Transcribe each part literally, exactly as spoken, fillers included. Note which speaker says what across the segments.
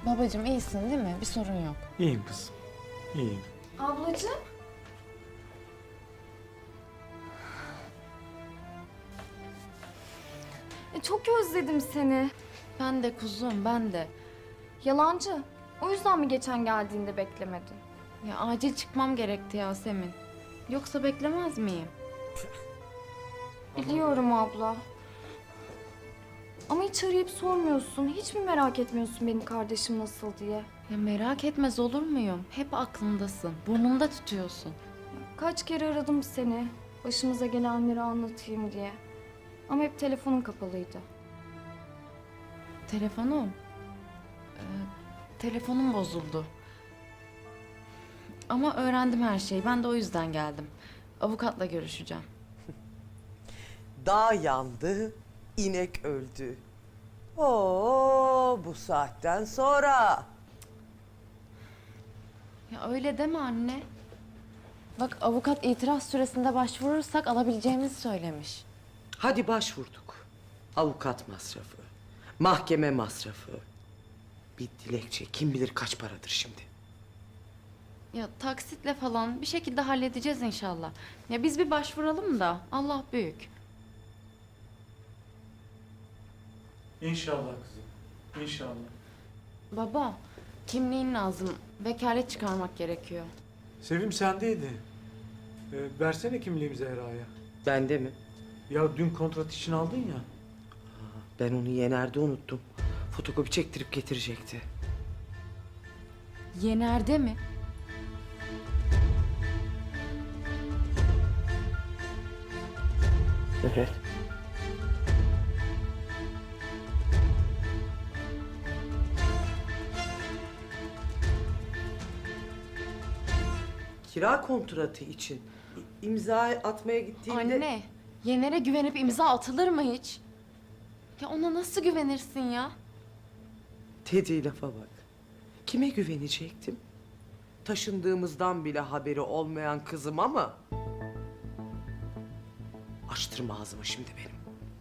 Speaker 1: Babacığım iyisin değil mi? Bir sorun yok.
Speaker 2: İyiyim kızım, iyiyim.
Speaker 3: Ablacığım. E, çok özledim seni.
Speaker 1: Ben de kuzum, ben de.
Speaker 3: Yalancı. O yüzden mi geçen geldiğinde beklemedin?
Speaker 1: Ya acil çıkmam gerekti Yasemin. Yoksa beklemez miyim?
Speaker 3: Biliyorum abla. Ama hiç arayıp sormuyorsun. Hiç mi merak etmiyorsun benim kardeşim nasıl diye?
Speaker 1: Ya merak etmez olur muyum? Hep aklımdasın. Burnumda tutuyorsun.
Speaker 3: Kaç kere aradım seni. Başımıza gelenleri anlatayım diye. Ama hep telefonun kapalıydı.
Speaker 1: Telefonum. Ee, telefonum bozuldu. Ama öğrendim her şeyi. Ben de o yüzden geldim. Avukatla görüşeceğim.
Speaker 4: Dağ yandı, inek öldü. Oo, bu saatten sonra.
Speaker 1: Ya öyle deme anne. Bak avukat itiraz süresinde başvurursak alabileceğimizi söylemiş.
Speaker 4: Hadi başvurduk. Avukat masrafı, mahkeme masrafı. Bir dilekçe kim bilir kaç paradır şimdi.
Speaker 1: Ya taksitle falan bir şekilde halledeceğiz inşallah. Ya biz bir başvuralım da Allah büyük.
Speaker 2: İnşallah kızım, inşallah.
Speaker 1: Baba, kimliğin lazım. Vekalet çıkarmak gerekiyor.
Speaker 2: Sevim sendeydi. Ee, versene kimliğimi Zehra'ya.
Speaker 4: Bende mi?
Speaker 2: Ya dün kontrat için aldın ya.
Speaker 4: Ben onu Yener'de unuttum. Fotokopi çektirip getirecekti.
Speaker 1: Yener'de mi?
Speaker 4: Evet. Kira kontratı için i- imza atmaya gittiğimde...
Speaker 1: Anne, Yener'e güvenip imza atılır mı hiç? Ya ona nasıl güvenirsin ya?
Speaker 4: Dediği lafa bak. Kime güvenecektim? Taşındığımızdan bile haberi olmayan kızım ama... Açtırma ağzımı şimdi benim.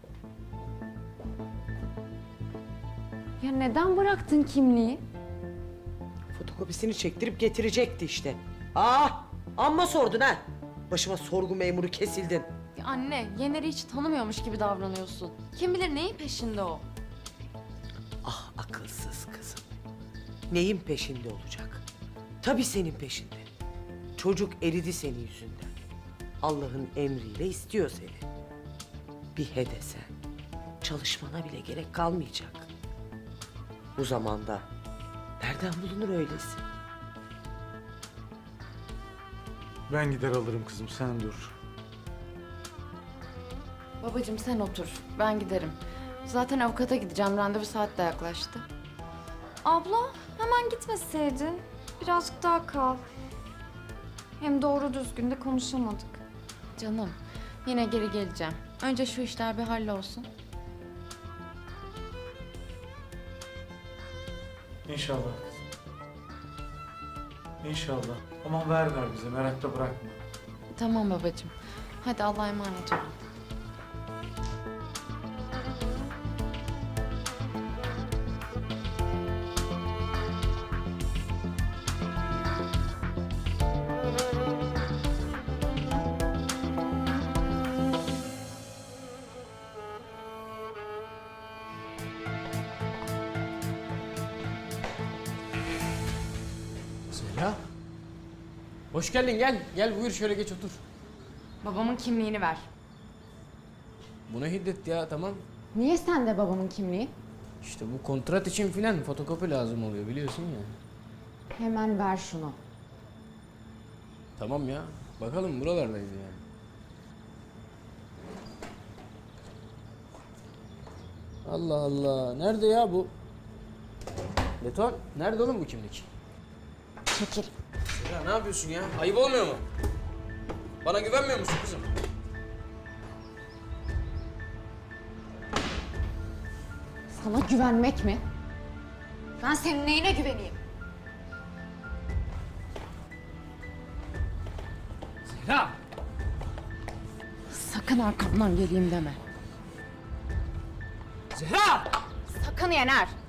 Speaker 1: Ya neden bıraktın kimliği?
Speaker 4: Fotokopisini çektirip getirecekti işte. Ah! Amma sordun ha! Başıma sorgu memuru kesildin.
Speaker 1: Ya anne, Yener'i hiç tanımıyormuş gibi davranıyorsun. Kim bilir neyin peşinde o?
Speaker 4: Ah akılsız kızım. Neyin peşinde olacak? Tabii senin peşinde. Çocuk eridi senin yüzünden. Allah'ın emriyle istiyor seni. Bir he desen, çalışmana bile gerek kalmayacak. Bu zamanda nereden bulunur öylesi?
Speaker 2: Ben gider alırım kızım, sen dur.
Speaker 1: Babacığım sen otur, ben giderim. Zaten avukata gideceğim, randevu saat de yaklaştı.
Speaker 3: Abla hemen gitmeseydin. Birazcık daha kal. Hem doğru düzgün de konuşamadık.
Speaker 1: Canım, yine geri geleceğim. Önce şu işler bir hallolsun.
Speaker 2: İnşallah kızım. İnşallah. Aman ver ver bize, merakta bırakma.
Speaker 1: Tamam babacığım. Hadi Allah'a emanet olun.
Speaker 5: Zehra. Hoş geldin, gel. Gel buyur şöyle geç otur.
Speaker 1: Babamın kimliğini ver.
Speaker 5: Bu ne hiddet ya, tamam.
Speaker 1: Niye sende babamın kimliği?
Speaker 5: İşte bu kontrat için filan fotokopi lazım oluyor biliyorsun ya.
Speaker 1: Hemen ver şunu.
Speaker 5: Tamam ya, bakalım buralardayız yani. Allah Allah, nerede ya bu? Beton, nerede oğlum bu kimlik?
Speaker 1: Çekil.
Speaker 5: Ya ne yapıyorsun ya? Ayıp olmuyor mu? Bana güvenmiyor musun kızım?
Speaker 1: Sana güvenmek mi? Ben senin neyine güveneyim?
Speaker 5: Zehra!
Speaker 1: Sakın arkamdan geleyim deme.
Speaker 5: Zehra!
Speaker 1: Sakın Yener.